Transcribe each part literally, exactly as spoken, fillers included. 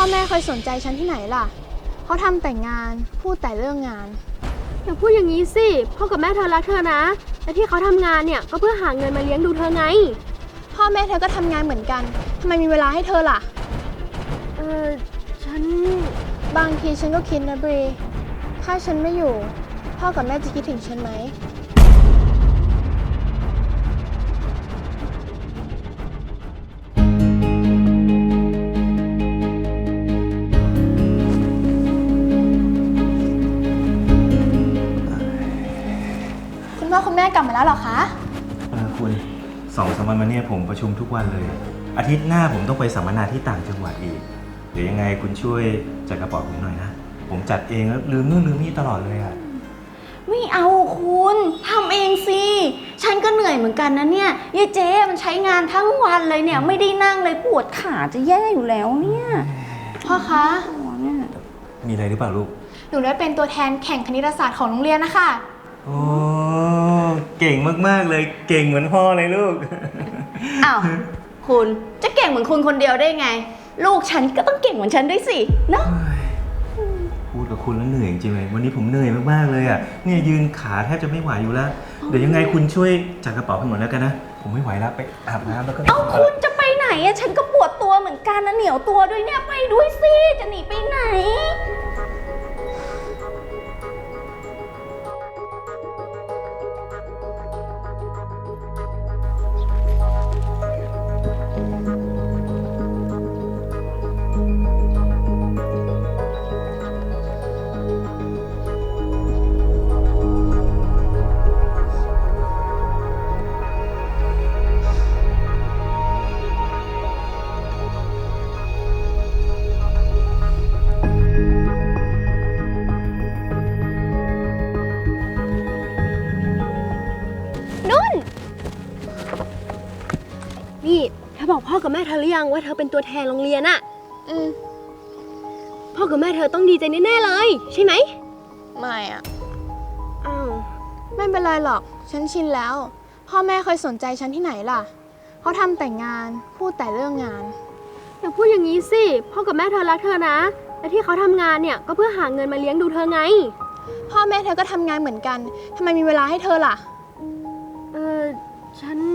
แม่เคยสนใจฉันที่ไหนล่ะเขาทำแต่งานพูดแต่เรื่องงานอย่าพูดอย่างนี้สิพ่อกับแม่เธอรักเธอนะและที่เขาทำงานเนี่ยก็เพื่อหาเงินมาเลี้ยงดูเธอไงพ่อแม่เธอก็ทำงานเหมือนกันทำไมมีเวลาให้เธอล่ะเออฉันบางทีฉันก็คิดนะบรีถ้าฉันไม่อยู่พ่อกับแม่จะคิดถึงฉันไหมคุณพ่อคุณแม่กลับมาแล้วเหรอคะเออคุณสองสามวันมาเนี่ยผมประชุมทุกวันเลยอาทิตย์หน้าผมต้องไปสัมมนาที่ต่างจังหวัดอีกเดี๋ยวยังไงคุณช่วยจัดกระเป๋าผมหน่อยนะผมจัดเองแล้วลืมนู่นลืมนี่ตลอดเลยอะไม่เอาคุณทำเองสิฉันก็เหนื่อยเหมือนกันนะเนี่ยยายเจ๊มันใช้งานทั้งวันเลยเนี่ยไม่ได้นั่งเลยปวดขาจะแย่อยู่แล้วเนี่ยพ่อคะมีอะไรหรือเปล่าลูกหนูได้เป็นตัวแทนแข่งคณิตศาสตร์ของโรงเรียนนะคะโอ้เก่งมากๆเลยเก่งเหมือนพ่อเลยลูกอ้าวคุณจะเก่งเหมือนคุณคนเดียวได้ไงลูกฉันก็ต้องเก่งเหมือนฉันด้วยสิเนาะพูดกับคุณแล้วเหนื่อยจริงเลยวันนี้ผมเหนื่อยมากๆเลยอ่ะเนี่ยยืนขาแทบจะไม่ไหวอยู่แล้วเดี๋ยวยังไงคุณช่วยจัดกระเป๋าให้หมดแล้วกันนะผมไม่ไหวแล้วไปอาบน้ำแล้วก็เอ้าคุณจะไปไหนอะฉันก็ปวดตัวเหมือนกันนะเหนียวตัวด้วยเนี่ยไปด้วยสิจะหนีไปไหนนี่เธอบอกพ่อกับแม่เธอหรือยังว่าเธอเป็นตัวแทนโรงเรียนอะอืมพ่อกับแม่เธอต้องดีใจแน่ๆเลยใช่ไหมไม่อะอ้าวไม่เป็นไรหรอกฉันชินแล้วพ่อแม่เคยสนใจฉันที่ไหนล่ะเขาทำแต่งานพูดแต่เรื่องงานอย่าพูดอย่างนี้สิพ่อกับแม่เธอรักเธอนะและที่เขาทำงานเนี่ยก็เพื่อหาเงินมาเลี้ยงดูเธอไงพ่อแม่เธอก็ทำงานเหมือนกันทำไมมีเวลาให้เธอล่ะเออฉัน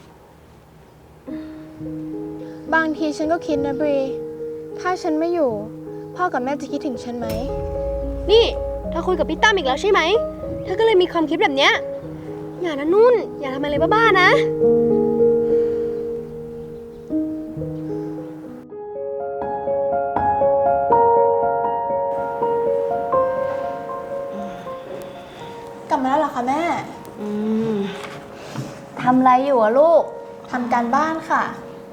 บางทีฉันก็คิดนะบรีถ้าฉันไม่อยู่พ่อกับแม่จะคิดถึงฉันไหมนี่เธอคุยกับพี่ตั้มอีกแล้วใช่ไหมเธอก็เลยมีความคิดแบบเนี้ยอย่านะนุ่นอย่าทำอะไรบ้าๆนะกลับมาแล้วเหรอคะแม่อืมทำอะไรอยู่อะลูกทำการบ้านค่ะ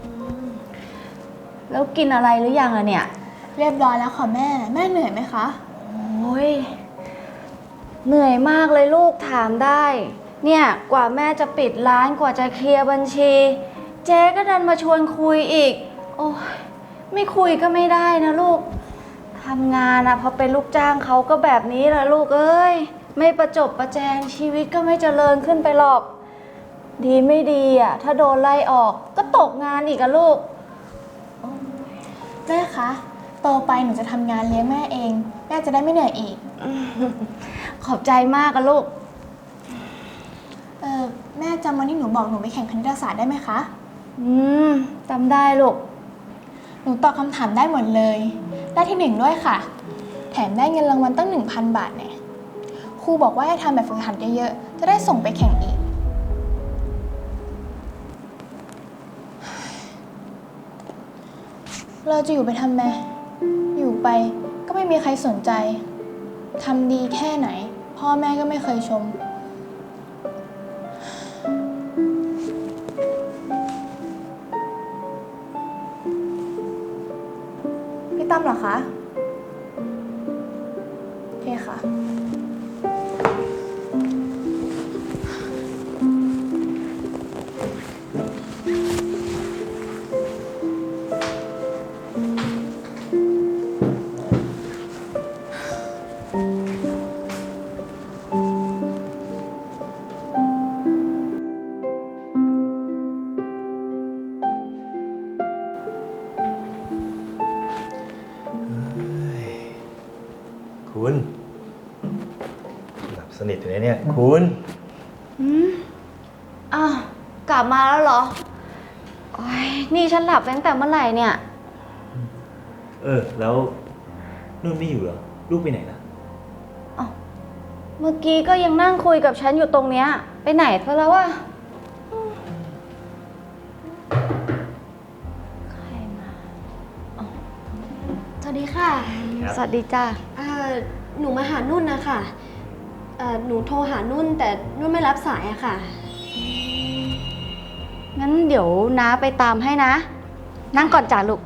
แล้วกินอะไรหรือยังอะเนี่ยเรียบร้อยแล้วค่ะแม่แม่เหนื่อยไหมคะโอ้ยเหนื่อยมากเลยลูกถามได้เนี่ยกว่าแม่จะปิดร้านกว่าจะเคลียร์บัญชีเจ๊ก็ดันมาชวนคุยอีกโอ้ยไม่คุยก็ไม่ได้นะลูกทำงานอะพอเป็นลูกจ้างเขาก็แบบนี้แหละลูกเอ้ยไม่ประจบประแจงชีวิตก็ไม่เจริญขึ้นไปหรอกดีไม่ดีอะถ้าโดนไล่ออกก็ตกงานอีกอะลูกแม่คะโตไปหนูจะทำงานเลี้ยงแม่เองแม่จะได้ไม่เหนื่อยอีกขอบใจมากอะลูกเออแม่จำวันที่หนูบอกหนูไปแข่งคณิตศาสตร์ได้ไหมคะอืมจำได้ลูกหนูตอบคำถามได้หมดเลยได้ที่หนึ่งด้วยค่ะแถมได้เงินรางวัลตั้ง หนึ่งพัน บาทเนี่ยครูบอกว่าให้ทำแบบฝึกหัดเยอะๆจะได้ส่งไปแข่งอีกเราจะอยู่ไปทำไมอยู่ไปก็ไม่มีใครสนใจทำดีแค่ไหนพ่อแม่ก็ไม่เคยชมพี่ตั้มเหรอคะโอเคค่ะ พคุณหลับสนิทอยู่เลยเนี่ยคุณอืมอ้าวกลับมาแล้วเหรอโอ้ยนี่ฉันหลับตั้งแต่เมื่อไหร่เนี่ยเออ แล้วนุ่นไม่อยู่เหรอ ลูกไปไหนล่ะอ้าวเมื่อกี้ก็ยังนั่งคุยกับฉันอยู่ตรงเนี้ย ไปไหนซะแล้ววะใครมาอ๋อสวัสดีค่ะครับสวัสดีจ้าเอ่อหนูมาหานุ่นนะคะเอ่อหนูโทรหานุ่นแต่นุ่นไม่รับสายอะค่ะงั้นเดี๋ยวน้าไปตามให้นะ นั่งก่อนจ้าลูก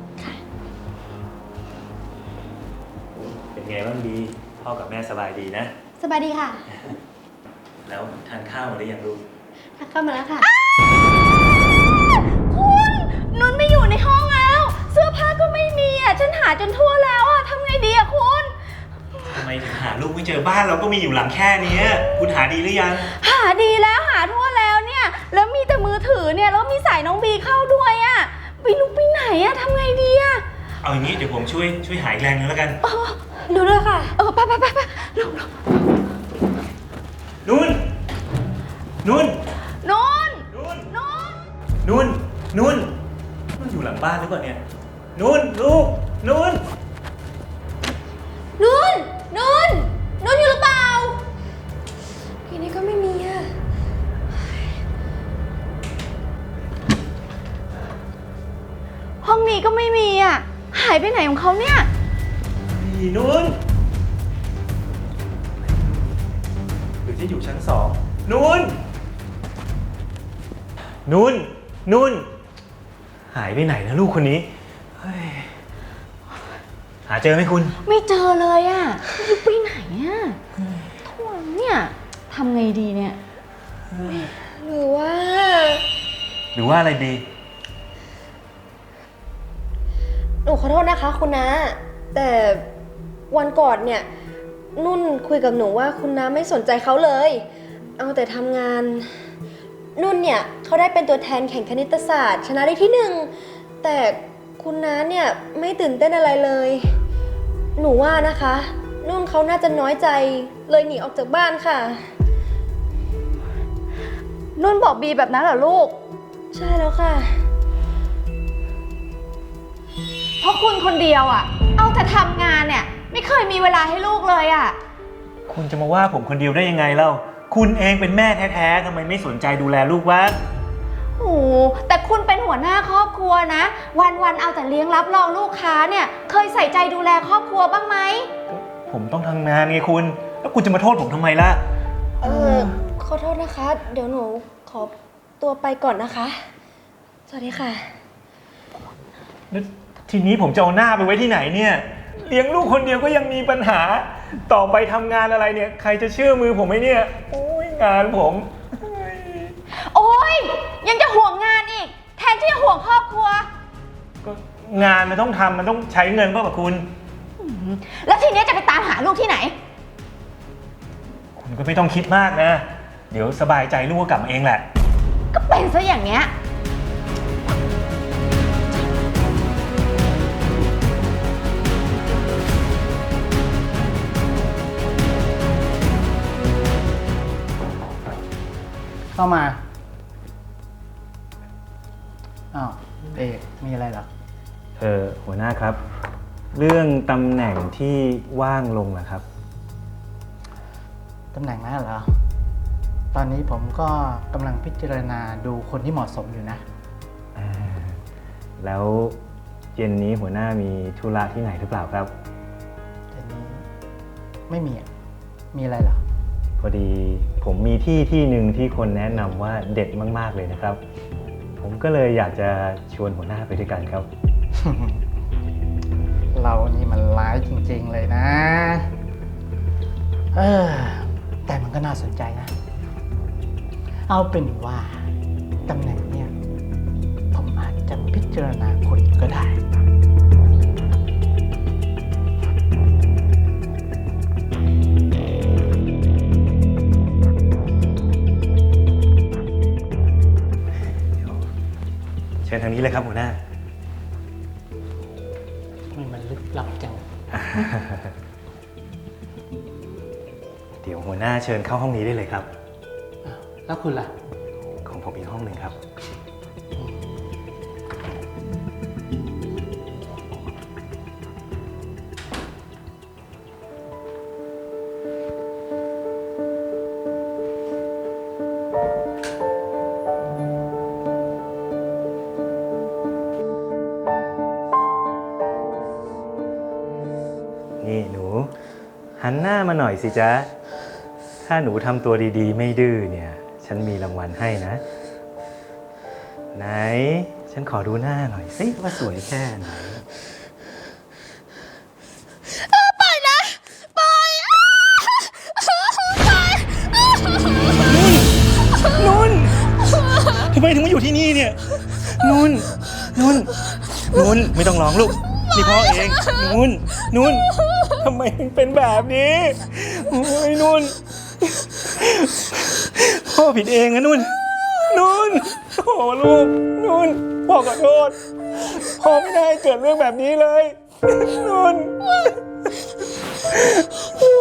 เป็นไงบ้างดี พ่อกับแม่สบายดีนะสบายดีค่ะแล้วทานข้าวมาหรือยังลูกทักเข้ามาแล้วค่ะคุณนุ่นไม่อยู่ในห้องแล้ว เสื้อผ้าก็ไม่มีอ่ะ ฉันหาจนทั่วแล้วอ่ะทำไงดีอ่ะคุณทำไมถึงหาลูกไม่เจอบ้านเราก็มีอยู่หลังแค่นี้ คุณหาดีหรือยังหาดีแล้วหาทั่วแล้วเนี่ย แล้วมีแต่มือถือเนี่ย แล้วมีสายน้องบีเข้าด้วยอ่ะไปลุกไปไหนอ่ะทำไงดีอ่ะเอาอย่างนี้เดี๋ยวผมช่วยช่วยหาอีกแรงนึงแล้วกันหนูด้วยค่ะเออไปไปไปไปลงลงนุ่น นุ่นนุ่นนุ่นนุ่นนุ่น นุ่น นุ่นอยู่หลังบ้านหรือเปล่าเนี่ย นุ่นลูก นุ่นนุ่น นุ่น นุ่นอยู่หรือเปล่าทีนี้ก็ไม่มีอะห้องนี้ก็ไม่มีอ่ะ หายไปไหนของเขาเนี่ยนี่นุ่น หรือจะอยู่ชั้นสอง นุ่น นุ่น นุ่น หายไปไหนนะลูกคนนี้เฮ้ยหาเจอไหมคุณไม่เจอเลยอ่ะลุกไปไหนอ่ะทั่วเนี่ยทำไงดีเนี่ยหรือว่าหรือว่าอะไรดีหนูขอโทษนะคะคุณน้าแต่วันก่อนเนี่ย นุ่นคุยกับหนูว่าคุณน้าไม่สนใจเขาเลย เอาแต่ทำงาน นุ่นเนี่ยเขาได้เป็นตัวแทนแข่งคณิตศาสตร์ ชนะได้ที่หนึ่งแต่คุณน้าเนี่ยไม่ตื่นเต้นอะไรเลย หนูว่านะคะ นุ่นเขาน่าจะน้อยใจเลยหนีออกจากบ้านค่ะนุ่นบอกบีแบบนั้นเหรอลูกใช่แล้วค่ะเพราะคุณคนเดียวอ่ะ เอาแต่ทำงานเนี่ย ไม่เคยมีเวลาให้ลูกเลยอ่ะคุณจะมาว่าผมคนเดียวได้ยังไงเล่า คุณเองเป็นแม่แท้ๆทำไมไม่สนใจดูแลลูกวะโอ้แต่คุณเป็นหัวหน้าครอบครัวนะ วันๆเอาแต่เลี้ยงรับรองลูกค้าเนี่ย เคยใส่ใจดูแลครอบครัวบ้างไหมผมต้องทำงานไงคุณ แล้วคุณจะมาโทษผมทำไมล่ะเออขอโทษนะคะ เดี๋ยวหนูขอตัวไปก่อนนะคะ สวัสดีค่ะแล้วทีนี้ผมจะเอาหน้าไปไว้ที่ไหนเนี่ย เลี้ยงลูกคนเดียวก็ยังมีปัญหา ต่อไปทำงานอะไรเนี่ย ใครจะเชื่อมือผมไหมเนี่ย โอ้ยงานผมโอ้ยยังจะห่วงงานอีก แทนที่จะห่วงครอบครัวก็งานมันต้องทำมันต้องใช้เงินเปล่ากับคุณแล้วทีนี้จะไปตามหาลูกที่ไหนคุณก็ไม่ต้องคิดมากนะ เดี๋ยวสบายใจลูกก็กลับมาเองแหละก็เป็นซะอย่างเนี้ยเข้ามา อ้าว เอกมีอะไรเหรอเออหัวหน้าครับ เรื่องตำแหน่งที่ว่างลงนะครับตำแหน่งนั้นเหรอ ตอนนี้ผมก็กำลังพิจารณาดูคนที่เหมาะสมอยู่นะแล้วเย็นนี้หัวหน้ามีธุระที่ไหนหรือเปล่าครับแต่นี้ไม่มีอะมีอะไรเหรอพอดีผมมีที่ที่หนึ่งที่คนแนะนำว่าเด็ดมากๆเลยนะครับ ผมก็เลยอยากจะชวนหัวหน้าไปด้วยกันครับเรานี่มันร้ายจริงๆเลยนะ เออ แต่มันก็น่าสนใจนะ เอาเป็นว่าตำแหน่งเนี่ย ผมอาจจะพิจารณาคนก็ได้เชิญทางนี้เลยครับหัวหน้ามันมันลึกลับจังเดี๋ยวหัวหน้าเชิญเข้าห้องนี้ได้เลยครับแล้วคุณล่ะของผมอีกห้องหนึ่งครับ นี่หนู หันหน้ามาหน่อยสิจ๊ะ ถ้าหนูทำตัวดีๆ ไม่ดื้อเนี่ย ฉันมีรางวัลให้นะ ไหน ฉันขอดูหน้าหน่อยสิว่าสวยแค่ไหน นุ่น ทำไมถึงมาอยู่ที่นี่เนี่ย นุ่น นุ่น นุ่น ไม่ต้องร้องลูก นี่พ่อเอง นุ่น นุ่น ทำไมถึงเป็นแบบนี้โอ้ยนุ่น พ่อผิดเองนะนุ่น นุ่น โอ้ลูก นุ่น พ่อขอโทษ พ่อไม่ได้เกิดเรื่องแบบนี้เลย นุ่น